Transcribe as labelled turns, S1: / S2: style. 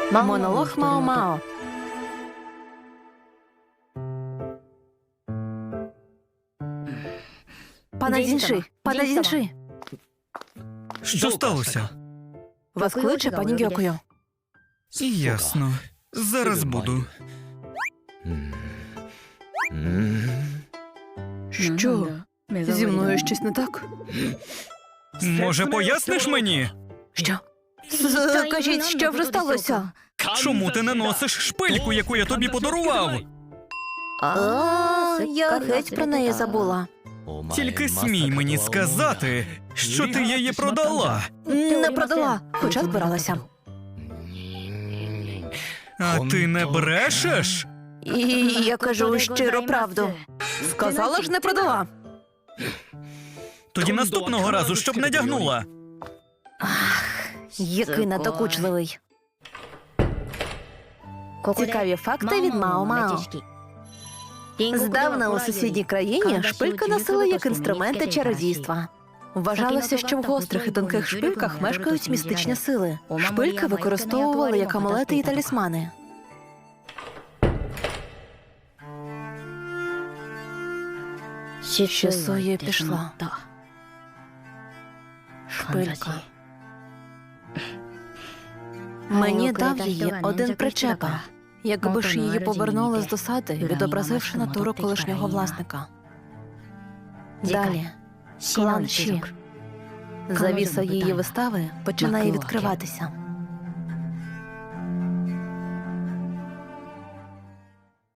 S1: Монолог Мао-Мао. Пане Дзінши, пане Дзінши.
S2: Що сталося?
S1: Вас кличе пані Гьокуйо.
S2: Ясно. Зараз буду.
S1: Що? Зі мною щось не так?
S2: Може, поясниш мені?
S1: Що? Кажіть, що вже сталося?
S2: Чому ти не носиш шпильку, яку я тобі подарував?
S1: Я геть про неї забула.
S2: Тільки смій мені сказати, що ти її продала.
S1: Не продала, хоча збиралася.
S2: А ти не брешеш?
S1: І я кажу щиро правду. Сказала ж, не продала.
S2: Тоді наступного разу, щоб надягнула.
S1: Який надокучливий. Цікаві факти від Мао-Мао. Здавна у сусідній країні шпильки носили як інструменти чародійства. Вважалося, що в гострих і тонких шпильках мешкають містичні сили. Шпильки використовували як амулети і талісмани. Ще Соя пішла. Шпилька. Мені дав її один причепа. Якби ж її повернули з досади, відобразивши натуру колишнього власника. Далі. Клан Чі. Завіса її вистави починає відкриватися.